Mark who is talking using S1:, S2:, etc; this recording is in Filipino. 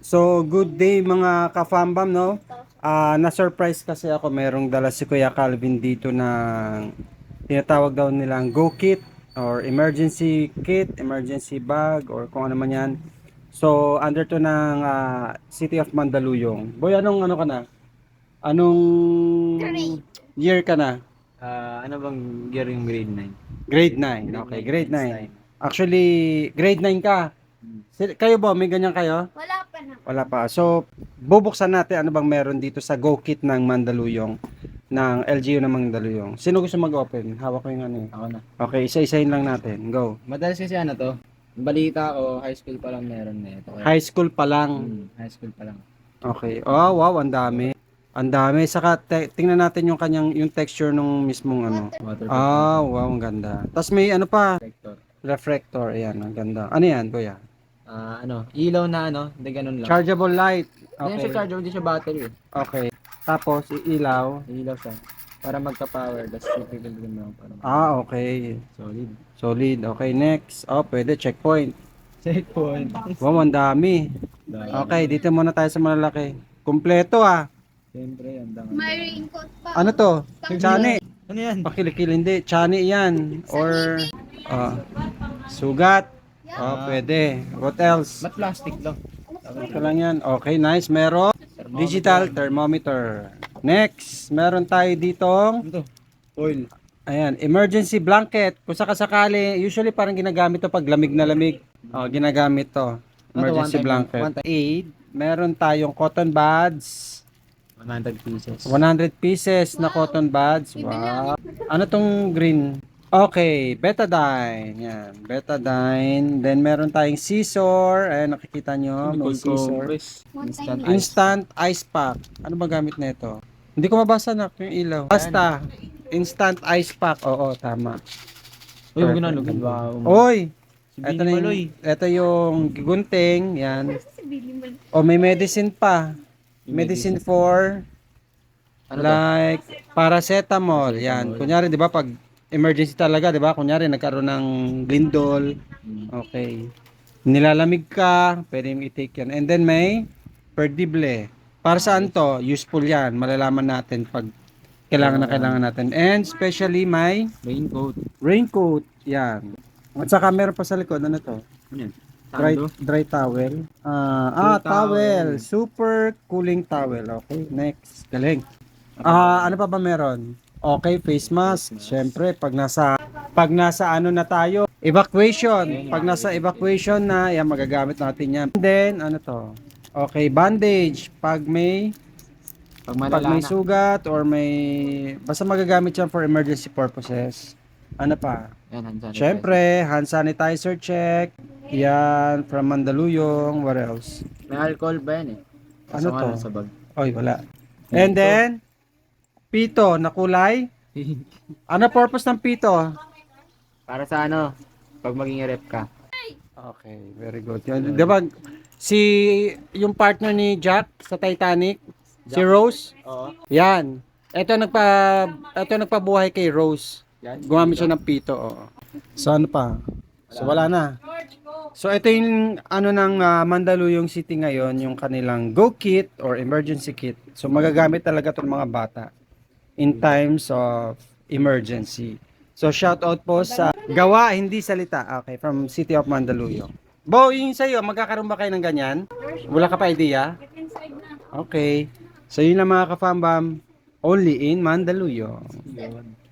S1: So, good day mga ka-fambam, no? Na-surprise kasi ako, merong dala si Kuya Calvin dito ng tinatawag daw nilang Go Kit or emergency kit, emergency bag, or kung ano man yan. So, under to ng City of Mandaluyong. Boy, anong ano ka na? Anong year ka na?
S2: Ano bang year yung grade 9?
S1: Grade 9. Okay, grade 9. Actually, grade 9 ka. Kayo ba, may ganyan kayo?
S3: Wala pa na.
S1: Wala pa. So, bubuksan natin ano bang meron dito sa Go Kit ng Mandaluyong, ng LGU ng Mandaluyong. Sino gusto mag-open? Hawak ko yung ano eh.
S2: Ako na.
S1: Okay, isa-isahin lang natin. Go.
S2: Madalas kasi ano to, balita ko, high school pa lang meron na ito.
S1: High school pa lang.
S2: High school pa lang.
S1: Okay. Oh, wow, ang dami. Ang dami. Saka tingnan natin yung kanyang yung texture nung mismong ano.
S2: Water
S1: Ah, wow, ang ganda. Tapos may ano pa,
S2: protector.
S1: reflector. Ayan, ang ganda. Ano yan, kuya?
S2: Ilaw na ano, hindi ganun lang.
S1: Chargeable light.
S2: Hindi siya
S1: Okay.
S2: charger, hindi siya battery eh.
S1: Okay. Tapos, iilaw.
S2: Ilaw siya. Para magka-power, that's typical din lang. Para
S1: Okay.
S2: solid.
S1: Solid. Okay, next. Oh, pwede. Checkpoint.
S2: Checkpoint.
S1: Wow, ang dami. Okay, dito muna tayo sa malalaki. Kumpleto ah.
S2: Siyempre, ang dami.
S3: May raincoat pa.
S1: Ano to? Chani.
S2: Ano yan?
S1: Pakilikil, hindi. Chani yan. Or, sugat. Oh, pwede. What else?
S2: Ba't plastic lang?
S1: Ito lang yan. Okay, nice. Meron. Digital thermometer. Next, meron tayo ditong,
S2: Ano to? Oil.
S1: ayan, emergency blanket. Kung sakasakali, usually parang ginagamit to pag lamig na lamig. Oh, ginagamit to. Emergency
S2: One
S1: blanket.
S2: time.
S1: Aid. Meron tayong cotton buds.
S2: 100 pieces.
S1: 100 pieces na cotton buds. Wow. Ano tong green? Okay, betadine. Yan, betadine. Then meron tayong scissor. Ayan, nakikita nyo. May scissor.
S3: One time.
S1: Instant ice pack. Ano ba gamit na ito? Hindi ko mabasa na yung ilaw. Basta, instant ice pack. Oo, tama.
S2: Uy, huwag na lugin ba?
S1: Oy!
S2: Si
S1: Ito,
S2: Billy
S1: na
S2: Maloy.
S1: ito yung gunting. Yan.
S3: Si Billy Mal.
S1: O, may medicine pa. Medicine for
S2: Ano to?
S1: like paracetamol. Yan. Kunyari, di ba, pag emergency talaga, di ba? Kunyari, nagkaroon ng lindol. Okay. Nilalamig ka, pwede yung i-take yan. And then may perdible. Para saan to? Useful yan. Malalaman natin pag kailangan na kailangan natin. And especially may
S2: Raincoat.
S1: raincoat. Yan. At saka meron pa sa likod. Ano to?
S2: Ano yan?
S1: Dry towel.
S2: Cool
S1: towel.
S2: towel.
S1: Super cooling towel. Okay, next. Galing. Ano pa ba meron? Okay, face mask. Siyempre, pag nasa ano na tayo, evacuation. Pag nasa evacuation na, yan, magagamit natin yan. And then, ano to? Okay, bandage. Pag may sugat or may, basta magagamit yan for emergency purposes. Ano pa?
S2: Yan, hand sanitizer.
S1: Siyempre, hand sanitizer check. Yan, from Mandaluyong. What else?
S2: May alcohol ba yan eh?
S1: Ano
S2: Kaso nga
S1: to?
S2: lang sa bag.
S1: Oy, wala. And then, pito na kulay. Ano purpose ng pito?
S2: Para sa ano? Pag maging rep ka.
S1: Okay, very good. Yan, diba, yung partner ni Jack sa Titanic, si Rose,
S2: Oo.
S1: yan. Ito nagpabuhay kay Rose.
S2: Yan.
S1: Gumamit siya ng pito. Oo. So ano pa? So wala na. So ito yung ano ng Mandaluyong City ngayon, yung kanilang Go Kit or emergency kit. So magagamit talaga 'tong mga bata in times of emergency. So shout out po sa gawa hindi salita. Okay, from City of Mandaluyong. Bo, yung sa'yo, magkakaroon ba kayo ng ganyan? Wala ka pa idea?
S3: Inside na.
S1: Okay. So yun lang mga ka-fambam, only in Mandaluyong.
S2: Yun.